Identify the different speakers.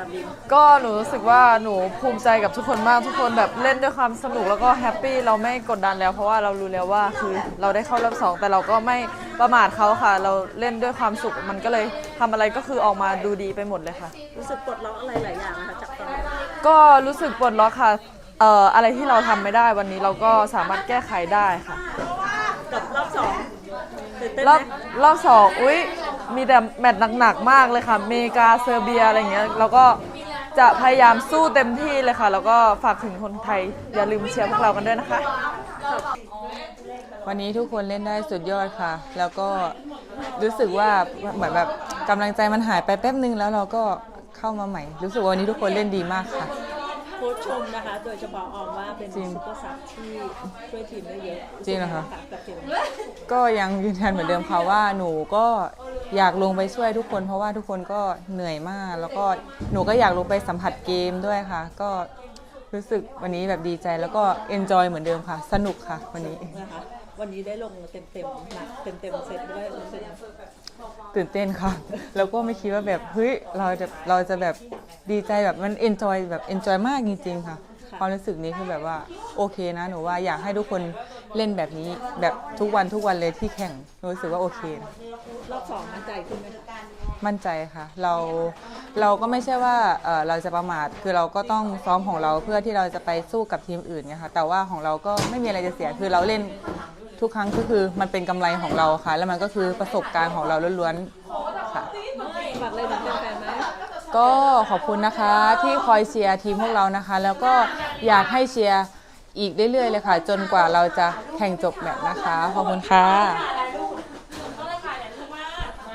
Speaker 1: บิม
Speaker 2: ก็หนูรู้สึกว่าหนูภูมิใจกับทุกคนมากทุกคนแบบเล่นด้วยความสนุกแล้วก็แฮปปี้เราไม่กดดันแล้วเพราะว่าเรารู้แล้วว่าคือเราได้เข้ารอบสองแต่เราก็ไม่ประมาทเขาค่ะเราเล่นด้วยความสุขมันก็เลยทำอะไรก็คือออกมาดูดีไปหมดเลยค่ะ
Speaker 1: รู้สึกปลดล็อกอะไรหลายอย่างนะคะจากตอนนั้น
Speaker 2: ก็รู้สึกปลดล็อกค่ะอะไรที่เราทำไม่ได้วันนี้เราก็สามารถแก้ไขได้ค่ะ
Speaker 1: กับรอบสองตื่นเต้น
Speaker 2: ร
Speaker 1: ไหม
Speaker 2: อบสองอุ๊ยมีแต่แมตช์หนักๆมากเลยค่ะอเมริกาเซอร์เบียอะไรอย่างเงี้ยเราก็จะพยายามสู้เต็มที่เลยค่ะแล้วก็ฝากถึงคนไทยอย่าลืมเชียร์พวกเรากันด้วยนะคะวันนี้ทุกคนเล่นได้สุดยอดค่ะแล้วก็รู้สึกว่าเหมือนแบบกำลังใจมันหายไปแป๊บนึงแล้วเราก็เข้ามาใหม่รู้สึกว่าวันนี้ทุกคนเล่นดีมากค่ะ
Speaker 1: โค้ชชมนะคะโดยเฉพาะออมว่าเป็นซุปเปอร์ซับที่ช่วยทีมได้เยอะ
Speaker 2: จริงเหรอคะ
Speaker 1: กับทีม
Speaker 2: ก็ยังยืนยันเหมือนเดิมค่ะว่าหนูก็อยากลงไปช่วยทุกคนเพราะว่าทุกคนก็เหนื่อยมากแล้วก็หนูก็อยากลงไปสัมผัสเกมด้วยค่ะก็รู้สึกวันนี้แบบดีใจแล้วก็เอนจอยเหมือนเดิมค่ะสนุกค่ะวันนี้
Speaker 1: นะคะวันนี้ได้ลงเต็มหนักเต็มเซตด้วยรู้สึก
Speaker 2: ตื่นเต้นค่ะแล้วก็ไม่คิดว่าแบบเฮ้ยเราจะแบบดีใจแบบมันเอนจอยแบบเอนจอยมากจริงๆค่ะความรู้สึกนี้คือแบบว่าโอเคนะหนูว่าอยากให้ทุกคนเล่นแบบนี้แบบทุกวันเลยที่แข่งรู้สึกว่าโอเคนะ
Speaker 1: รอบสองมั่นใจขึ้นไหม
Speaker 2: มั่นใจค่ะเราก็ไม่ใช่ว่าเราจะประมาทคือเราก็ต้องซ้อมของเราเพื่อที่เราจะไปสู้กับทีมอื่นไงค่ะแต่ว่าของเราก็ไม่มีอะไรจะเสียคือเราเล่นทุกครั้งก็คือมันเป็นกำไรของเราค่ะแล้วมันก็คือประสบการณ์ของเราล้วนๆค่ะ
Speaker 1: ฝากเลยถึงแฟนๆไหม
Speaker 2: ก็ขอบคุณนะคะที่คอยเชียร์ทีมพวกเรานะคะแล้วก็อยากให้เชียร์อีกเรื่อยๆเลยค่ะจนกว่าเราจะแข่งจบแมตช์นะคะขอบคุณค่ะ